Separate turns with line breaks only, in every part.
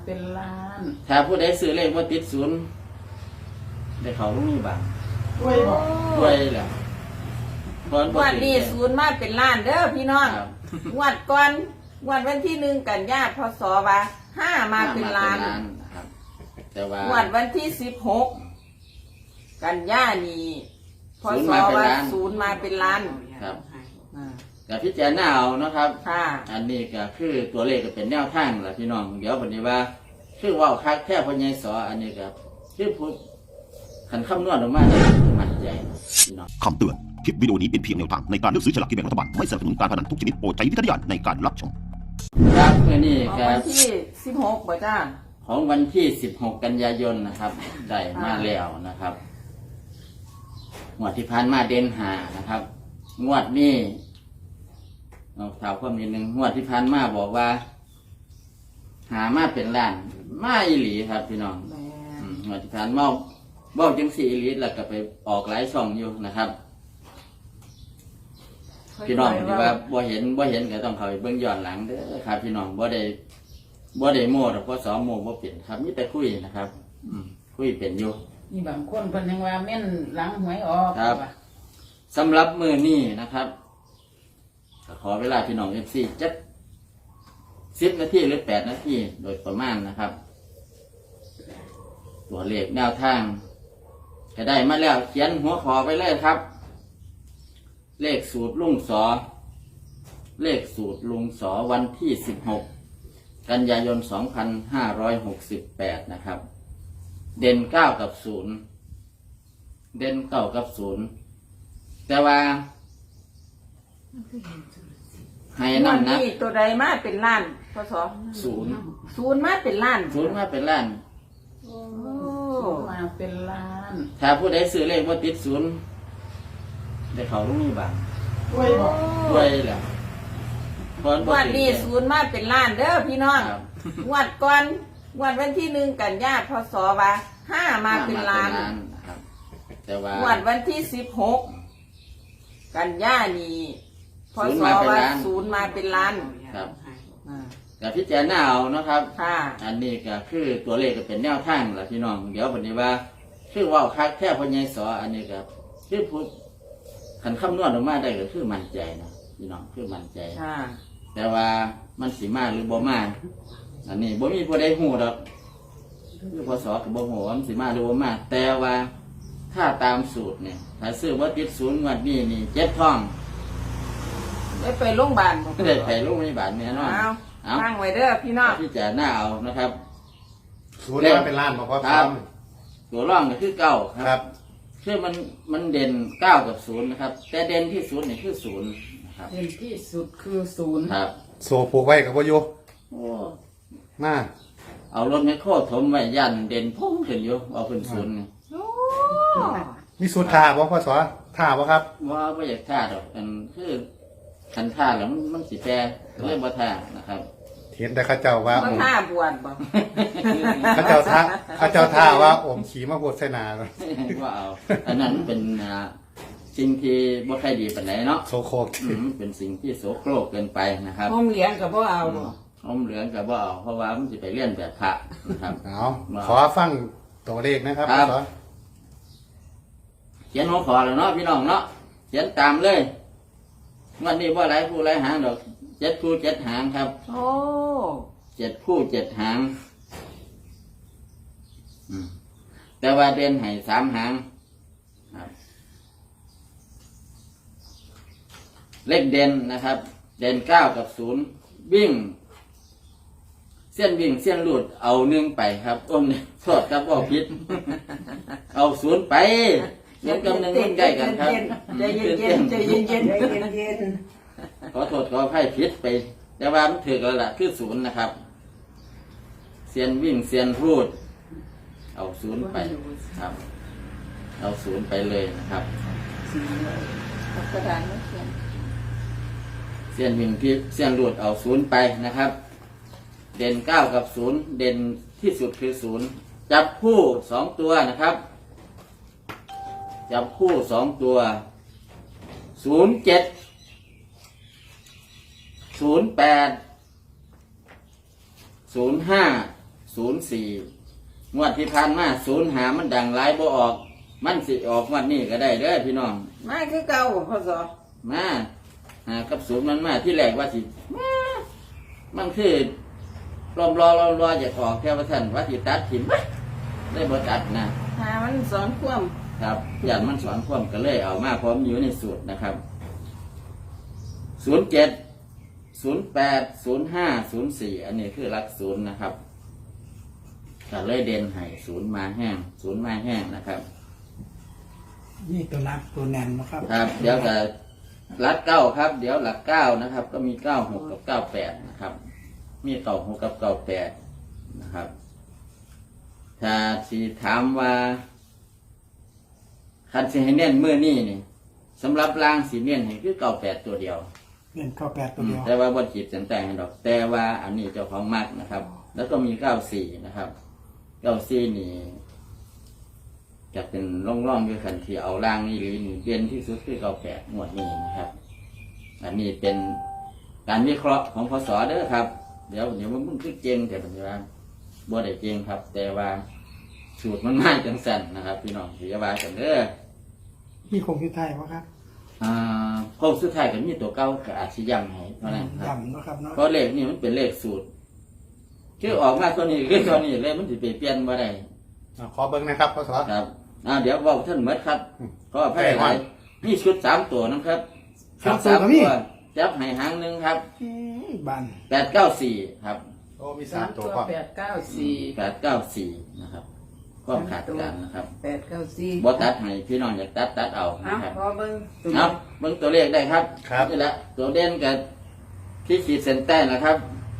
เป็นล้าน
ถ้าผู้ใดซื้อเลขว่าติดศูนย์ได้เขาลูกนี่บ้าง
ด้วยบ่
ด้วยแหละเพราะ
งวดนี้ศูนย์มาเป็นล้านเด้อพี่น้อง
ครับ
งวดก่อนงวดวันที่1 กันยายนพศว่า5มาเป็นล้าน
นะครับแต่ว่าง
วดวันที่16 กันยายนนี่พศว่าศูนย์มาเป็นล้าน
ครับ
อ่า
กับพิจารณาเอานะครับ
ค่ะ
อันนี้ก็คือตัวเลขก็เป็นแนวทางแหละพี่น้องเดี๋ยววันนี้ว่าคือว่าคักแค่พญายสออันนี้ก็คือพูดขันคำนวณออกมาได้มั่นใจพี่น้อง
คำเตือน คลิปวิดีโอนี้เป็นเพียงแนวทางในการเลือกซื้อฉลากกินแบ่งรัฐบาล ไม่สนับสนุนการพนันทุกชนิดโปรดใช้วิจารณญาณในการรับชม
ครับเมื่อนี้
ของ
ก็
วันที่16บ่จ้า
ของวันที่16 กันยายนนะครับได้มาแล้วนะครับงวดที่ผ่านมาเด่นหานะครับงวดนี้เอาถามความนิดนึงงวดที่ผ่านมาบอกว่า หามาเป็นล้านมาอีหลีครับพี่น้อง
แม่
งวดที่ผ่านมาบอกจังสี่อีหลีแล้วก็ไปออกหลายช่องอยู่นะครับ พี่น้องที่ว่าบ่เห็นก็ต้องเข้าไปเบิ่งย้อนหลังเด้อครับ พี่น้องบ่ได้โม้ดอกเพราะสอนโม้บ่เป็นครับมีแต่คุยนะครับ คุยเป็นอยู่
มีบางคนเพิ่นยังว่าแม่นหลังหวยออก
ครับ
ว่า
สำหรับมื้อนี้นะครับก็ขอเวลาพี่น้อง FC จัก10 นาทีหรือ8 นาทีโดยประมาณนะครับ ตัวเลขแนวทางก็ได้มาแล้วเขียนหัวขอไปเลยครับ เลขสูตรลุงสอเลขสูตรลุงสอวันที่16 กันยายน 2568 นะครับ เด่น9 กับ 0 เด่น9 กับ 0 แต่ว่าให้
งวด
น้ำหนัก
นี้ตัวใดมาเป็นล้านพศ
0
ศูนย์มาเป็นล้าน
0มาเป็นล้าน
โอ้
ศูนย์มาเป็นล้าน
ถ้าผู้ใดซื้อเลขว่าติด0ได้เขาลูกนี่บ้าง
ด้วยบ่
ด้วยแหละเพราะ
งวดนี้ศูนย์มาเป็นล้านเด้อพี่น้อง
ครับ
งวดก่อนงวดวันที่1 กันยายนพศว่า5มาเป็นล้าน
นะครับแต่ว่าง
วดวันที่16 กันยายนนี่พศว่าศูนย์มาเป็นล้าน
ครับ
อ่า
กับพิจารณาเอานะครับ
ค่ะ
อันนี้ก็คือตัวเลขก็เป็นแนวทางแหละพี่น้องเดี๋ยววันนี้ว่าคือว่าคักแค่พญายสออันนี้ก็คือพูดขันคำนวณออกมาได้ก็คือมั่นใจนะพี่น้องคือมั่นใจ
ค่ะ
แต่ว่ามันสีมาหรือบ่มาอันนี้บ่มีผู้ใดฮู้ดอกคือพศกับบ่ฮู้ว่ามันสีมาหรือบ่มาแต่ว่าถ้าตามสูตรเนี่ยถ้าซื้อว่าติดศูนย์งวดนี้นี่เจ็บท้อง
ได้ไปโรงพยาบาลบ่
ได้ไปโรงพยาบาลแน่นอน
เอาตั้งไว้เด้อพี่น้อง
ที่จะหน้าเอานะครับ
ศูนย์มาเป็นล้านบอกว่า
ครับ ตัวร่องก็คือเก้าค
ครั
รับ คือมันเด่นเก้ากับ0นะครับ แต่เด่นที่0นี่คือ0นะครับ
เด่นที่สุดคือศูนย์
ครับ
โซผูกไว้กับวายุ
โอ้
มา
เอารถไมคโครถมไว้ยันเด่นพุ่งขึ้นอยู่เอาขึ้น0นี่
โอ้
มีสูตรทาบอกพ่อสอทาบ่ครับ
ว่าไม่อยากท่าดอกมันคือคันท่าแล้วมันสิแปรเรื่องบ่ท่านะครับ
เห็นแต่ข้าเจ้าว่า
บ่
อม
ท่าบวชบ่
ข้าเจ้าท่าว่าอมขี่มาโพดใส่หนา
ว่าเอาอันนั้นเป็นสิ่งที่บ่ค่อยดีปานใดเนาะ
โซโคก
เป็นสิ่งที่โสโครกเกินไปนะครับ
ห้องเลี้ยงก็บ่เอาบ่
อมเหลืองกับบ่เอาเพราะว่ามันจะไปเลี่ยนแบบพระนะครับ
เอาขอฟังตัวเลขนะครับ
ครั
พ่อบ สอ
เขียนหัวขอแล้วเนาะพี่น้องเนาะเขียนตามเลยวันนี้ว่าหลายคู่หลายหางดอก7 คู่ 7 หางครับ
โอ้
7 คู่ 7 หางแต่ว่าเด่นให้3 หางครับเลขเด่นนะครับ เด่น9 กับ 0 วิ่ง เส้นวิ่งเส้นหลุดเอา1ไปครับอ้นโทษครับว่าผิด เอา0ไปเงินกับ1มันใกล้กันครับ
ใจเย็นๆใจเย็นๆใจเย็น
ขอโทษขออภัยผิดไป แต่ว่ามันถือแล้วล่ะคือ0นะครับเส้นวิ่งเส้นพูด เอา0ไปครับ เอา0ไปเลยนะครับ
ๆกระดานไม่เขียน
เส้นวิ่งที่เส้นหลุดเอา0ไปนะครับ เด่น9 กับ 0 เด่นที่สุดคือ0จับคู่2 ตัวนะครับ จับคู่2 ตัว07 08 05 งวดที่ผ่านมา05มันดังหลายบ่ออก มันสิออกงวดนี้ก็ได้เด้อพี่น้อง
มาคือเก่าบ่พศ
มากับศูนย์มันมาที่แรกว่าสิมามันคือรออยากออกแค่ว่าท่านว่าสิตัดถิ่มได้บ่ตัดนะ
หามันสอนความ
ครับยันมันสอนความก็เลยเอามาพร้อมอยู่ในสูตรนะครับ07 08 05 04อันนี้คือหลักศูนย์นะครับก็เลยเด่นให้ศูนย์มาแห้งนะครับ
นี่ตัวรักตัวแน่นนะครับ
ครับเดี๋ยวจะหลักเก้าครับ เดี๋ยวหลักเก้านะครับ ก็มี96กับ98นะครับ มี96กับ98นะครับ ถ้าสิถามว่าคันสิให้เน้นมื้อนี้นี่สำหรับล่างสิเน้นให้คือ98ตัวเดียว
เล่นเข้าแปดตัวเดียว
แต่ว่าบ่ขีดเส้นใต้ให้ดอก แต่ว่าอันนี้เจ้าของมักนะครับ แล้วก็มี94นะครับ94นี่จะเป็นร่องๆด้วยคันที่เอาล่างนี่หรือนี่เด่นที่สุดคือ98หมวดนี้นะครับ อันนี้เป็นการวิเคราะห์ของพศเด้อครับ เดี๋ยวมันคือเจงแต่ปัจจุบันบ่ได้เจงครับ แต่ว่าสูตรมันง่ายจังสั่นนะครับ พี่น้องพิจารณากันเด้อ
มีคงที่ไทยวะครับ
โค้งสุดท้ายก็มีตัวเก้ากับอาชีย้ำให้เท่านั้นครับ
ย่ำนะครับเนาะ
เพราะเลขนี่มันเป็นเลขสูตรคือออกมาตัวนี้คือตัวนี้เลยมันจะไปเปลี่ยนบ่ได้
ขอเบิ้งนะครับพ่อสอ
ครับเดี๋ยวบอกท่านเมดครับก็ให้หลายมีชุด3ตัวนะครับชุด3ตัวจับให้หางหนึงครับ
บัน
894ครับ
โอ้มี
สา
3
ม
ตั
ตัว ว
พ่อ
894นะครับความขาดกันนะครับ
894
บ่ตัดให้พี่น้องอยากตัดเอา
เอา
นะครับ
พอเบิ่ง
เอาเบิ่งตัวเลขได้ครับนี่แหละตัวเด่นกับที่ขีดเส้นใต้นะครับ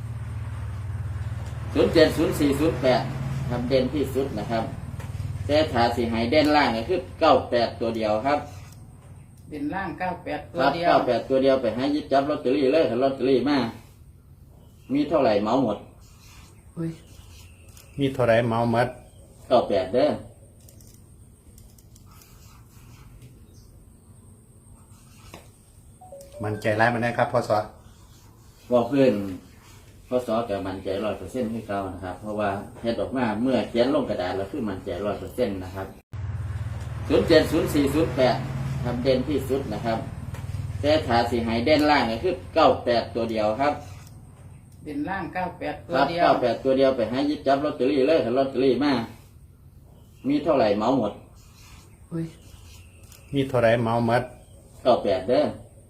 070408ครับเด่นที่สุดนะครับแต่ถ้าสิให้เด่นล่างก็คือ98ตัวเดียวครับ
เป็นล่าง98ตัว
ครับ
เดียว
98ตัวเดียวไปให้หยิบจับลอตเตอรี่เลยถ้าลอตเตอรี่มามีเท่าไหร่เหมาหมด
อุ้ย
มีเท่าไรเมาหมด
98เด้อ
มันใจร้ายมันได้ครับพ่อสอ
บอกเพื่อนข้อสอบกับมันใจ100%ให้เก่านะครับ เพราะว่าเฮ็ดออกมาเมื่อเขียนลงกระดาษแล้วคือมันใจ100%นะครับ070408ทำเด่นที่สุดนะครับแต่ถ้าสิให้เด่นล่างก็คือ98ตัวเดียวครับ
เป็นล่าง98ตัว
ครับ
เดียว
98ตัวเดียวไปให้หยิบจับลอตเตอรี่เลยถ้าลอตเตอรี่มามีเท่าไหร่เหมาหมด
อุ้ย
มีเท่าไรเมาหมด
98เด้อ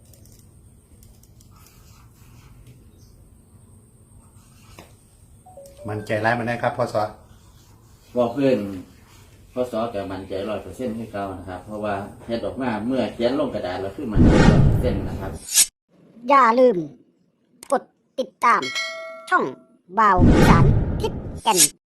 มันใจร้ายมันได้ครับพ่อสอ
บอกเพื่อนข้อสอบกับมันใจ100%ให้เก่านะครับ เพราะว่าเฮ็ดออกมาเมื่อเขียนลงกระดาษแล้วคือมันใจ100%นะครับ
อย่าลืม กดติดตาม ช่องบ่าวสารทิศแก่น